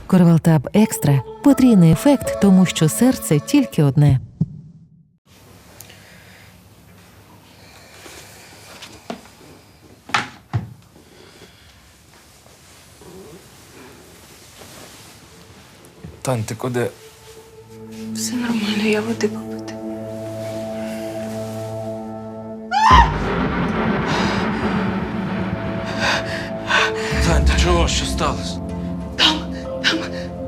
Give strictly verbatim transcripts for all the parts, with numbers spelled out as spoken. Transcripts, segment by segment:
Корвалтаб Екстра – потрійний ефект, тому що серце тільки одне. Тань, ти куди? Все нормально, я води попити. Тань, ти чого? Що сталося? Там, там.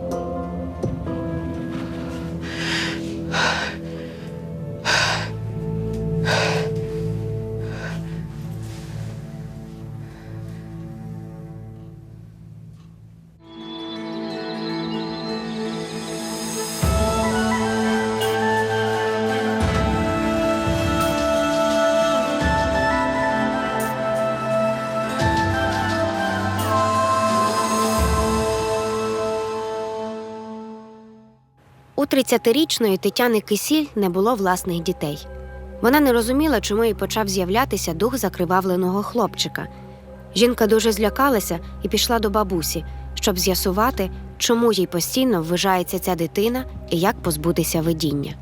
У тридцятирічної Тетяни Кисіль не було власних дітей. Вона не розуміла, чому їй почав з'являтися дух закривавленого хлопчика. Жінка дуже злякалася і пішла до бабусі, щоб з'ясувати, чому їй постійно ввижається ця дитина і як позбутися видіння.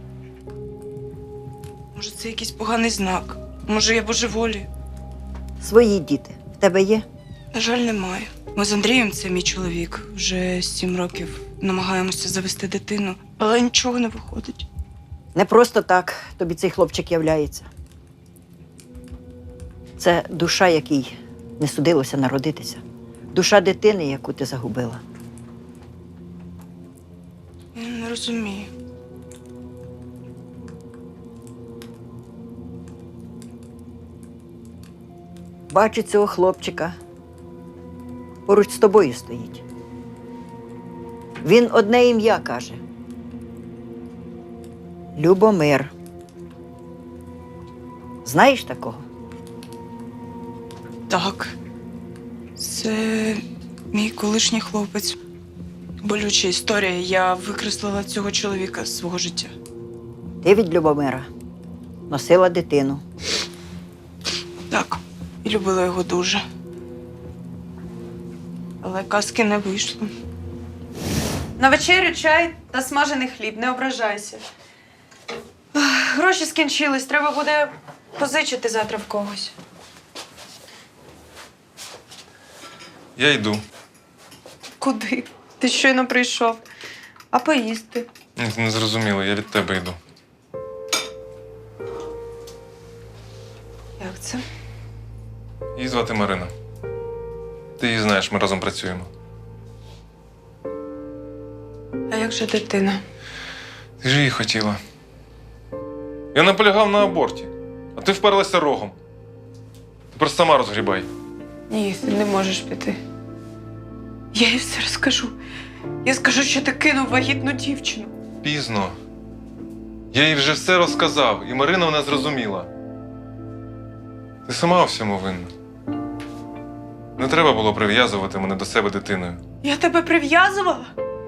Може, це якийсь поганий знак? Може, я божеволію? Свої діти в тебе є? На жаль, немає. Ми з Андрієм, це мій чоловік, вже сім років намагаємося завести дитину, але нічого не виходить. Не просто так тобі цей хлопчик являється. Це душа, якій не судилося народитися. Душа дитини, яку ти загубила. Я не розумію. Бачу цього хлопчика. Поруч з тобою стоїть. Він одне ім'я каже. Любомир. Знаєш такого? Так. Це мій колишній хлопець. Болюча історія. Я викреслила цього чоловіка з свого життя. Ти від Любомира носила дитину. Так. І любила його дуже. Але казки не вийшло. На вечерю чай та смажений хліб, не ображайся. Ах, гроші скінчились, треба буде позичити завтра в когось. Я йду. Куди? Ти щойно прийшов. А поїсти? Ні, ти не зрозуміло, я від тебе йду. Як це? Її звати Марина. Ти її знаєш, ми разом працюємо. А як же дитина? Ти ж її хотіла. Я наполягав на аборті, а ти вперлася рогом. Тепер сама розгрібай. Ні, ти не можеш піти. Я їй все розкажу. Я скажу, що ти кинув вагітну дівчину. Пізно. Я їй вже все розказав, і Марина вона зрозуміла. Ти сама у всьому винна. Не треба було прив'язувати мене до себе дитиною. Я тебе прив'язувала?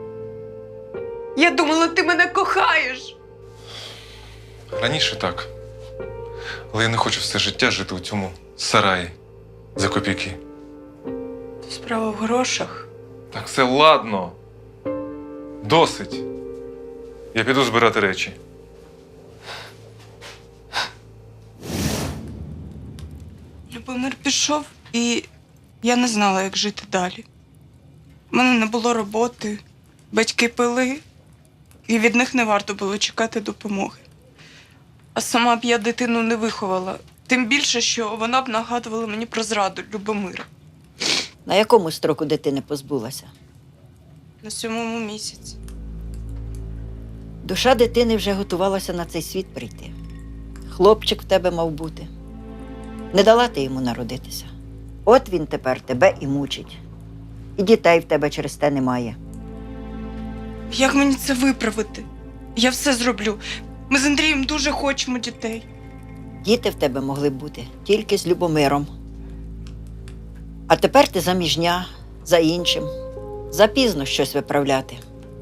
Я думала, ти мене кохаєш. Раніше так. Але я не хочу все життя жити у цьому сараї за копійки. Справа в грошах. Так все ладно. Досить. Я піду збирати речі. Любомир пішов, і я не знала, як жити далі. У мене не було роботи, батьки пили, і від них не варто було чекати допомоги. А сама б я дитину не виховала. Тим більше, що вона б нагадувала мені про зраду Любомира. На якому строку дитини позбулася? На сьомому місяці. Душа дитини вже готувалася на цей світ прийти. Хлопчик в тебе мав бути. Не дала ти йому народитися. От він тепер тебе і мучить. І дітей в тебе через те немає. Як мені це виправити? Я все зроблю. Ми з Андрієм дуже хочемо дітей. Діти в тебе могли б бути тільки з Любомиром. А тепер ти заміжня, за іншим. Запізно щось виправляти.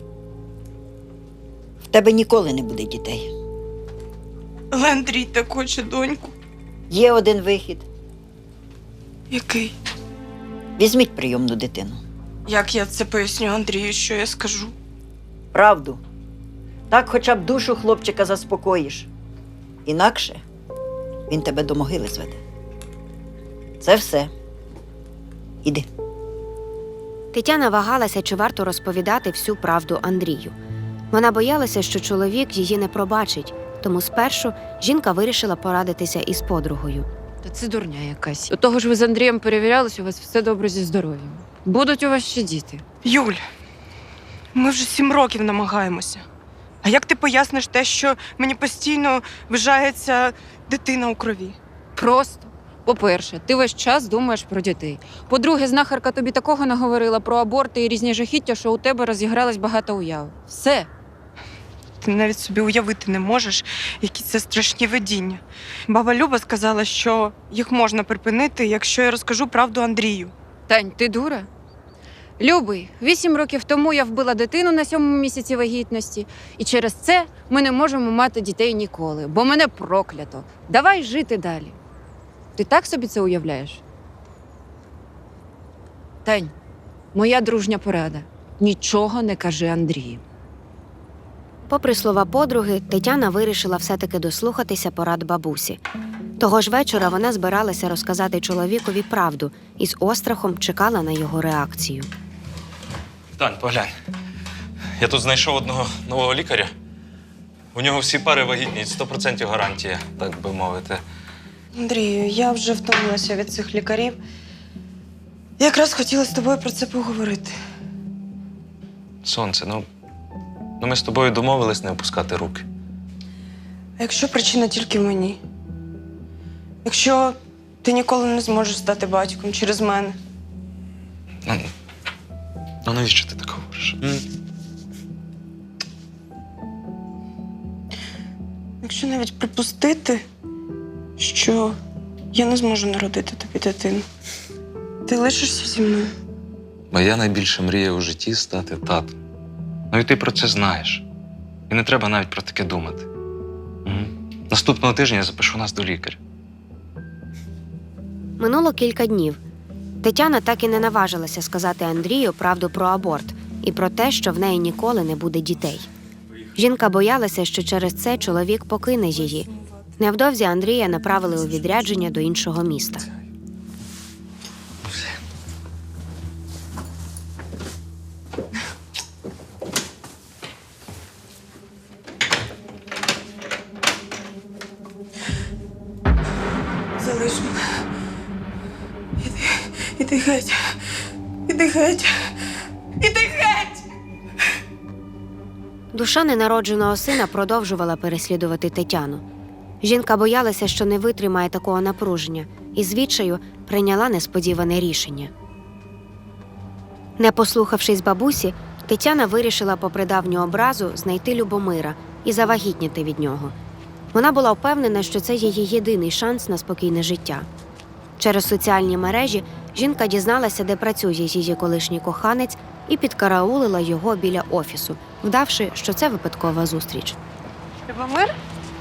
В тебе ніколи не буде дітей. Але Андрій так хоче доньку. Є один вихід. Який? Візьміть прийомну дитину. Як я це поясню Андрію, що я скажу? Правду. Так хоча б душу хлопчика заспокоїш. Інакше він тебе до могили зведе. Це все. Іди. Тетяна вагалася, чи варто розповідати всю правду Андрію. Вона боялася, що чоловік її не пробачить, тому спершу жінка вирішила порадитися із подругою. Та це дурня якась. До того ж ви з Андрієм перевірялись, у вас все добре зі здоров'ям. Будуть у вас ще діти. Юль, ми вже сім років намагаємося. А як ти поясниш те, що мені постійно вважається дитина у крові? Просто. По-перше, ти весь час думаєш про дітей. По-друге, знахарка тобі такого наговорила про аборти і різні жахіття, що у тебе розігралось багато уяв. Все. Ти навіть собі уявити не можеш, які це страшні видіння. Баба Люба сказала, що їх можна припинити, якщо я розкажу правду Андрію. Тань, ти дура? Любий, вісім років тому я вбила дитину на сьомому місяці вагітності, і через це ми не можемо мати дітей ніколи, бо мене проклято. Давай жити далі. Ти так собі це уявляєш? Тань, моя дружня порада. Нічого не кажи Андрію. Попри слова подруги, Тетяна вирішила все-таки дослухатися порад бабусі. Того ж вечора вона збиралася розказати чоловікові правду і з острахом чекала на його реакцію. Тань, поглянь. Я тут знайшов одного нового лікаря. У нього всі пари вагітні, сто відсотків гарантія, так би мовити. Андрію, я вже втомилася від цих лікарів. Якраз хотіла з тобою про це поговорити. Сонце, ну, ну ми з тобою домовились не опускати руки. А якщо причина тільки в мені? Якщо ти ніколи не зможеш стати батьком через мене? Ну, ну навіщо ти так говориш? М? Якщо навіть припустити, що я не зможу народити тобі дитину, ти лишишся зі мною? Моя найбільша мрія у житті стати татом. Ну і ти про це знаєш. І не треба навіть про таке думати. М? Наступного тижня я запишу нас до лікаря. Минуло кілька днів. Тетяна так і не наважилася сказати Андрію правду про аборт і про те, що в неї ніколи не буде дітей. Жінка боялася, що через це чоловік покине її. Невдовзі Андрія направили у відрядження до іншого міста. Залиш мене. Іди, іди геть. Іди геть. Іди геть! Душа ненародженого сина продовжувала переслідувати Тетяну. Жінка боялася, що не витримає такого напруження, і з відчаю прийняла несподіване рішення. Не послухавшись бабусі, Тетяна вирішила попри давню образу знайти Любомира і завагітніти від нього. Вона була впевнена, що це її єдиний шанс на спокійне життя. Через соціальні мережі жінка дізналася, де працює її колишній коханець, і підкараулила його біля офісу, вдавши, що це випадкова зустріч. Любомир?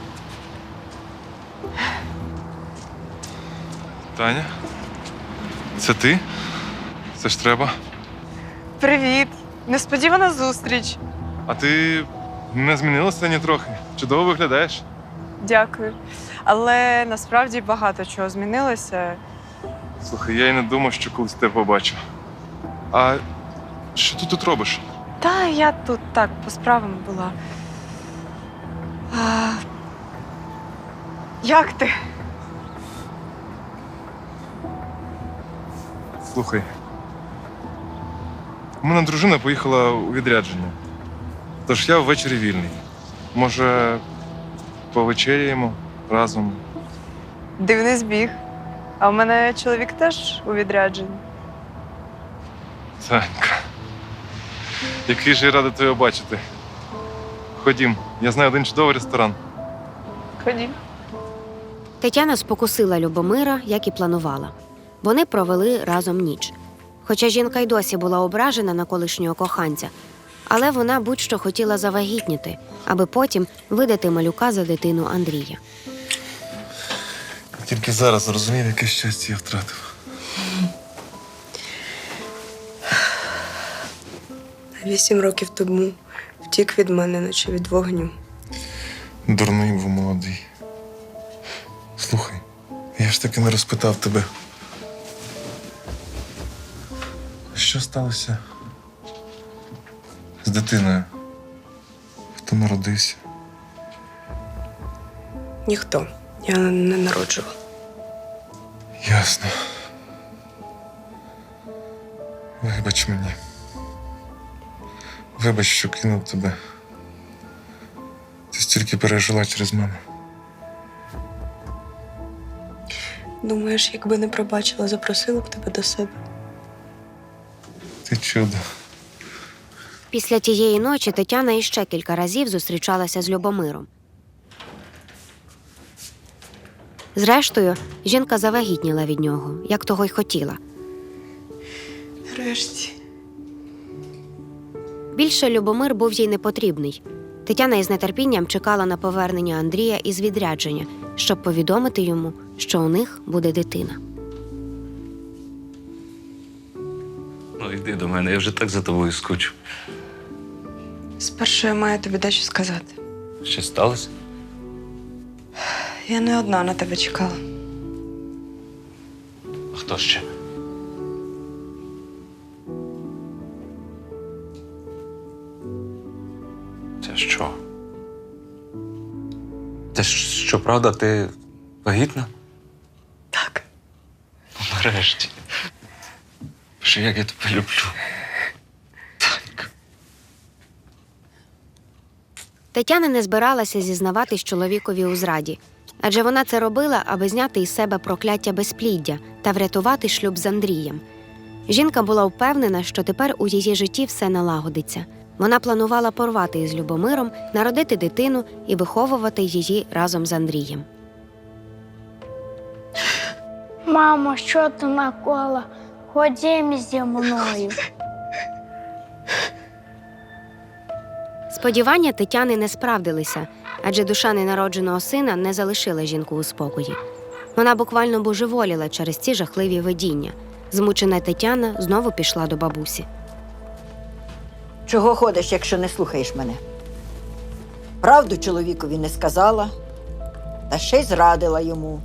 Таня? Це ти? Це ж треба. Привіт. Несподівана зустріч. А ти не змінилася ні трохи. Чудово виглядаєш. Дякую. Але насправді багато чого змінилося. Слухай, я й не думав, що колись тебе побачу. А що ти тут робиш? Та я тут так по справам була. А... Як ти? Слухай. У мене дружина поїхала у відрядження. Тож я ввечері вільний. Може, повечеряємо разом? Дивний збіг. А в мене чоловік теж у відрядженні. Танька. Який же я радий тебе бачити. Ходім, я знаю один чудовий ресторан. Ходім. Тетяна спокусила Любомира, як і планувала. Вони провели разом ніч. Хоча жінка й досі була ображена на колишнього коханця, але вона будь-що хотіла завагітніти, аби потім видати малюка за дитину Андрія. Тільки зараз зрозумів, яке щастя я втратив. Вісім років тому втік від мене, наче від вогню. Дурний був молодий. Слухай, я ж таки не розпитав тебе. Що сталося з дитиною? Хто народився? Ніхто. Я не народжувала. Ясно. Вибач мені. Вибач, що кинув тебе. Ти стільки пережила через мене. Думаєш, якби не пробачила, запросила б тебе до себе? Ти чудо. Після тієї ночі Тетяна іще кілька разів зустрічалася з Любомиром. Зрештою, жінка завагітніла від нього, як того й хотіла. Нарешті. Більше Любомир був їй не потрібний. Тетяна із нетерпінням чекала на повернення Андрія із відрядження, щоб повідомити йому, що у них буде дитина. Ну, йди до мене, я вже так за тобою скучу. Спершу я маю тобі дещо сказати. Що сталося? Я не одна на тебе чекала. А хто ще? Це що? Це ж- що, правда, ти вагітна? Так. Ну, нарешті. Що як я тебе люблю. Так. Тетяна не збиралася зізнаватись чоловікові у зраді, адже вона це робила, аби зняти із себе прокляття безпліддя та врятувати шлюб з Андрієм. Жінка була впевнена, що тепер у її житті все налагодиться. Вона планувала порвати із Любомиром, народити дитину і виховувати її разом з Андрієм. Мамо, що ти накола? Ходім зі мною. Сподівання Тетяни не справдилися, адже душа ненародженого сина не залишила жінку у спокої. Вона буквально божеволіла через ці жахливі видіння. Змучена Тетяна знову пішла до бабусі. Чого ходиш, якщо не слухаєш мене? Правду чоловікові не сказала, та ще й зрадила йому.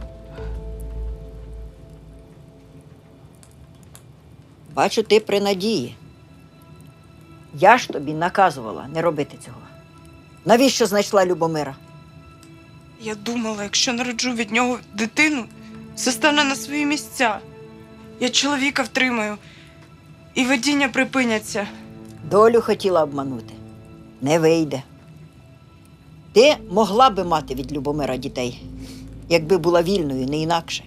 Бачу, ти при надії. Я ж тобі наказувала не робити цього. Навіщо знайшла Любомира? Я думала, якщо народжу від нього дитину, все стане на свої місця. Я чоловіка втримаю, і видіння припиняться. Долю хотіла обманути. Не вийде. Ти могла би мати від Любомира дітей, якби була вільною, не інакше.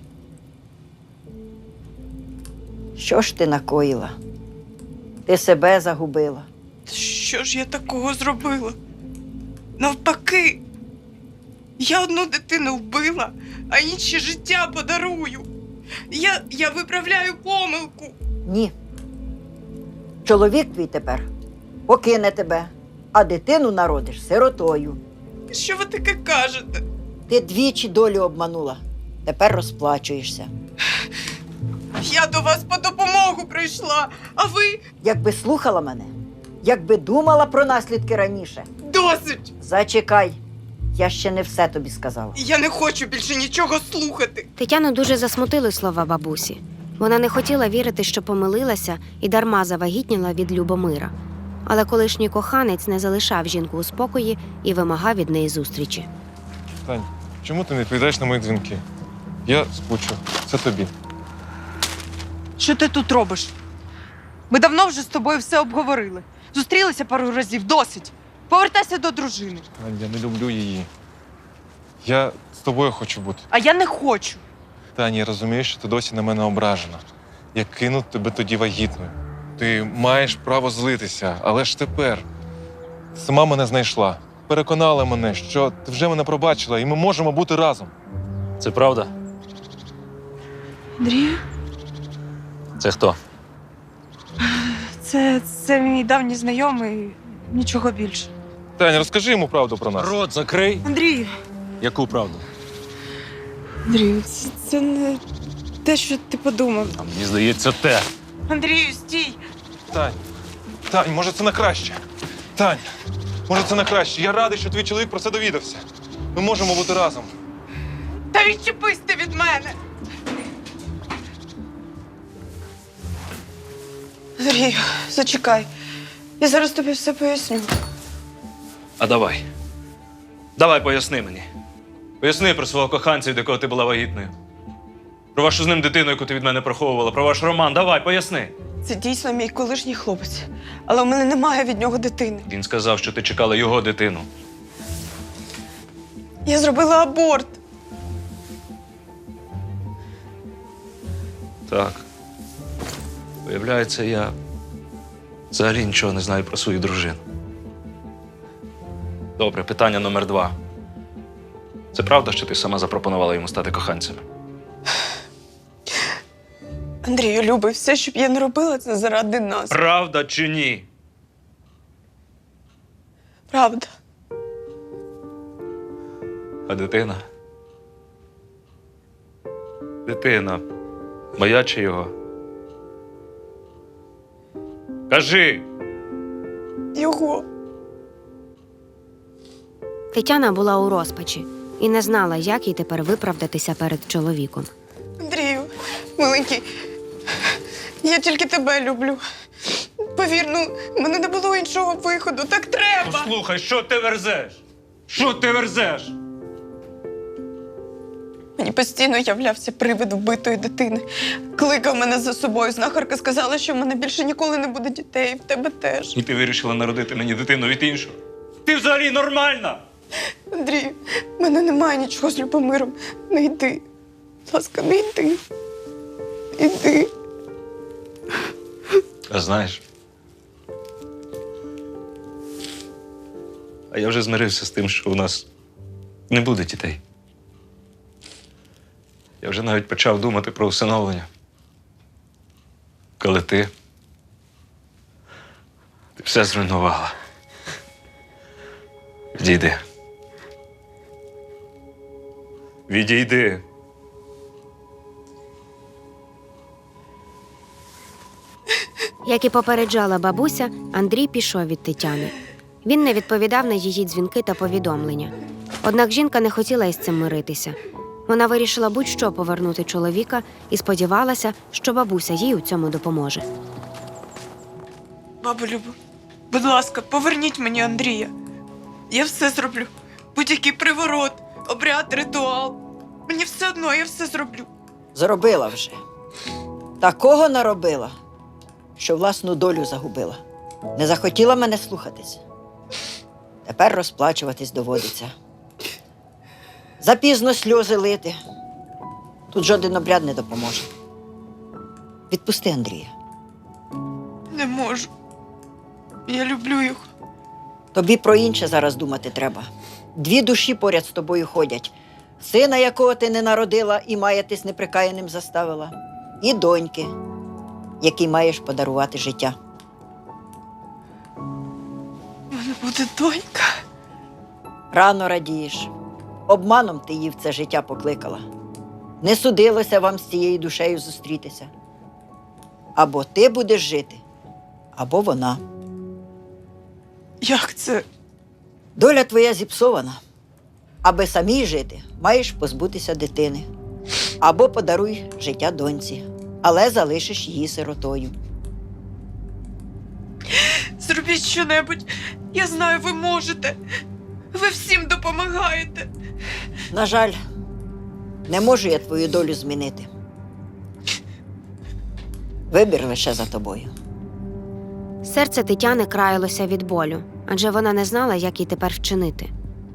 Що ж ти накоїла? Ти себе загубила. Що ж я такого зробила? Навпаки, я одну дитину вбила, а інші життя подарую. Я, я виправляю помилку. Ні. Чоловік твій тепер покине тебе, а дитину народиш сиротою. Що ви таке кажете? Ти двічі долю обманула. Тепер розплачуєшся. Я до вас по допомогу прийшла, а ви Якби слухала мене, якби думала про наслідки раніше. досить. Зачекай, я ще не все тобі сказала. Я не хочу більше нічого слухати. Тетяну дуже засмутили слова бабусі. Вона не хотіла вірити, що помилилася і дарма завагітніла від Любомира. Але колишній коханець не залишав жінку у спокої і вимагав від неї зустрічі. Тань, чому ти не відповідаєш на мої дзвінки? Я скучу. Це тобі. Що ти тут робиш? Ми давно вже з тобою все обговорили. Зустрілися пару разів, досить. Повертайся до дружини. Тань, я не люблю її. Я з тобою хочу бути. А я не хочу. Таня, я розумію, що ти досі на мене ображена. Я кинув тебе тоді вагітною. Ти маєш право злитися, але ж тепер ти сама мене знайшла. Переконала мене, що ти вже мене пробачила, і ми можемо бути разом. Це правда? Андрію, Це хто? це, це мій давній знайомий, нічого більше. Таня, розкажи йому правду про нас. Рот закрий. Андрію, Яку правду? Андрію, це, це не те, що ти подумав. А мені здається, те. Андрію, стій! Тань, Тань, може це на краще? Тань, може це на краще? Я радий, що твій чоловік про це довідався. Ми можемо бути разом. Та відчепись ти від мене! Андрію, зачекай. Я зараз тобі все поясню. А давай. Давай поясни мені. Поясни про свого коханця, від якого ти була вагітною. Про вашу з ним дитину, яку ти від мене приховувала, про ваш роман. Давай, поясни. Це дійсно мій колишній хлопець. Але у мене немає від нього дитини. Він сказав, що ти чекала його дитину. Я зробила аборт. Так. Виявляється, я взагалі нічого не знаю про свою дружину. Добре, питання номер два. Це правда, що ти сама запропонувала йому стати коханцем? Андрію, любий, все, що б я не робила, це заради нас. Правда чи ні? Правда. А дитина? Дитина. Моя чи його? Кажи! Його. Тетяна була у розпачі і не знала, як їй тепер виправдатися перед чоловіком. Андрію, миленький, я тільки тебе люблю. Повір, ну, в мене не було іншого виходу. Так треба. Послухай, що ти верзеш? Що ти верзеш? Мені постійно являвся привид вбитої дитини. Кликав мене за собою. Знахарка сказала, що в мене більше ніколи не буде дітей, і в тебе теж. І ти вирішила народити мені дитину від іншого? Ти взагалі нормальна? Андрію, в мене немає нічого з Любомиром. Не йди. Будь ласка, не йди. Іди. А знаєш, а я вже змирився з тим, що у нас не буде дітей. Я вже навіть почав думати про усиновлення. Коли ти... Ти все зруйнувала. Відійди. Відійди. Як і попереджала бабуся, Андрій пішов від Тетяни. Він не відповідав на її дзвінки та повідомлення. Однак жінка не хотіла із цим миритися. Вона вирішила будь-що повернути чоловіка і сподівалася, що бабуся їй у цьому допоможе. Бабу Любо, будь ласка, поверніть мені Андрія. Я все зроблю. Будь-який приворот, обряд, ритуал. Мені все одно, я все зроблю. Зробила вже. Такого наробила, що власну долю загубила. Не захотіла мене слухатись. Тепер розплачуватись доводиться. Запізно сльози лити. Тут жоден обряд не допоможе. Відпусти Андрія. Не можу. Я люблю його. Тобі про інше зараз думати треба. Дві душі поряд з тобою ходять. Сина, якого ти не народила і маятись неприкаяним заставила, і доньки, якій маєш подарувати життя. У мене буде донька. Рано радієш. Обманом ти її в це життя покликала. Не судилося вам з цією душею зустрітися. Або ти будеш жити, або вона. Як це? Доля твоя зіпсована. Аби самій жити, маєш позбутися дитини. Або подаруй життя доньці, але залишиш її сиротою. Зробіть щонебудь. Я знаю, ви можете. Ви всім допомагаєте. На жаль, не можу я твою долю змінити. Вибір лише за тобою. Серце Тетяни краялося від болю, адже вона не знала, як їй тепер вчинити.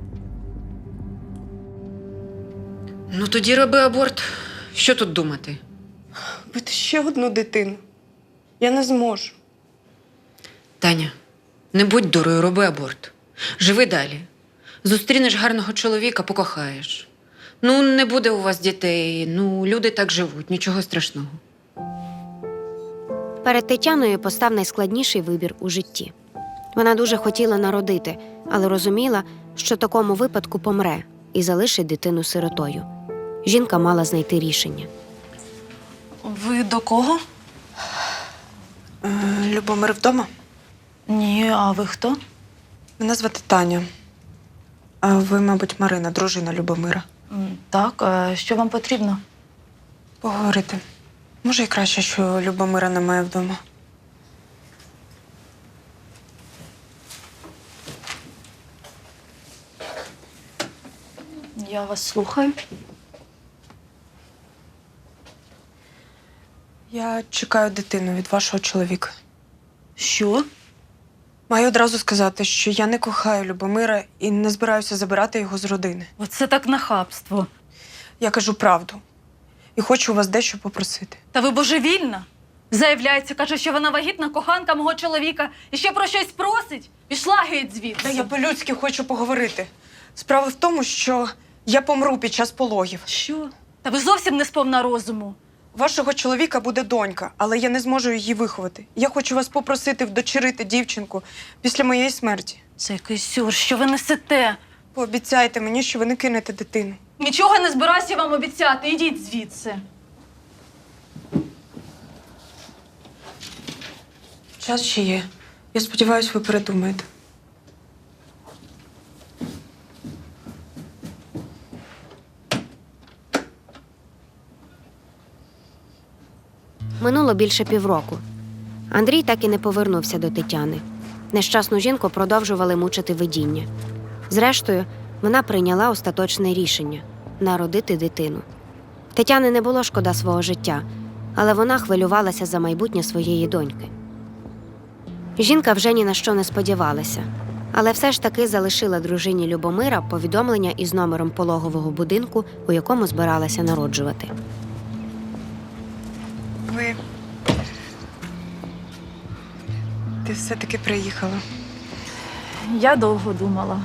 Ну тоді роби аборт. Що тут думати? Бити ще одну дитину. Я не зможу. Таня, не будь дурою, роби аборт. Живи далі. Зустрінеш гарного чоловіка, покохаєш. Ну, не буде у вас дітей, ну, люди так живуть, нічого страшного. Перед Тетяною постав найскладніший вибір у житті. Вона дуже хотіла народити, але розуміла, що в такому випадку помре і залишить дитину сиротою. Жінка мала знайти рішення. Ви до кого? Е, Любомир вдома? Ні, а ви хто? Мене звати Таня. А ви, мабуть, Марина, дружина Любомира. М, Так, а що вам потрібно? Поговорити. Може, і краще, що Любомира немає вдома. Я вас слухаю. Я чекаю дитину від вашого чоловіка. Що? Маю одразу сказати, що я не кохаю Любомира і не збираюся забирати його з родини. Оце так нахабство. Я кажу правду. І хочу у вас дещо попросити. Та ви божевільна? Заявляється, каже, що вона вагітна коханка мого чоловіка і ще про щось просить. Пішла геть звідси. Та я по-людськи хочу поговорити. Справа в тому, що я помру під час пологів. Що? Та ви зовсім не сповна розуму. У вашого чоловіка буде донька, але я не зможу її виховати. Я хочу вас попросити вдочерити дівчинку після моєї смерті. Це якийсь сюр, що ви несете? Пообіцяйте мені, що ви не кинете дитину. Нічого не збираюся вам обіцяти. Ідіть звідси. Час ще є. Я сподіваюся, ви передумаєте. Минуло більше півроку. Андрій так і не повернувся до Тетяни. Нещасну жінку продовжували мучити видіння. Зрештою, вона прийняла остаточне рішення – народити дитину. Тетяни не було шкода свого життя, але вона хвилювалася за майбутнє своєї доньки. Жінка вже ні на що не сподівалася, але все ж таки залишила дружині Любомира повідомлення із номером пологового будинку, у якому збиралася народжувати. Ви. Ти все-таки приїхала. Я довго думала.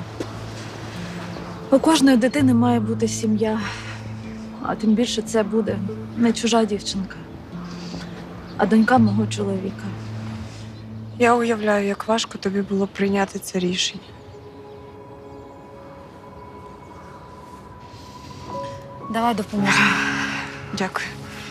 У кожної дитини має бути сім'я, а тим більше це буде не чужа дівчинка, а донька мого чоловіка. Я уявляю, як важко тобі було прийняти це рішення. Давай допоможемо. Дякую.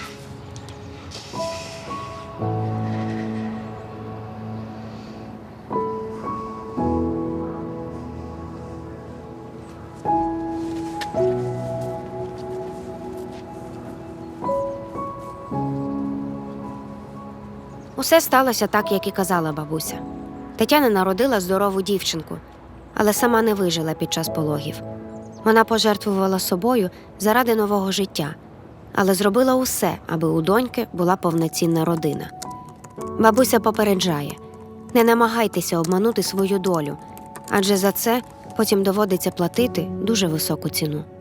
Усе сталося так, як і казала бабуся. Тетяна народила здорову дівчинку, але сама не вижила під час пологів. Вона пожертвувала собою заради нового життя, але зробила усе, аби у доньки була повноцінна родина. Бабуся попереджає – не намагайтеся обманути свою долю, адже за це потім доводиться платити дуже високу ціну.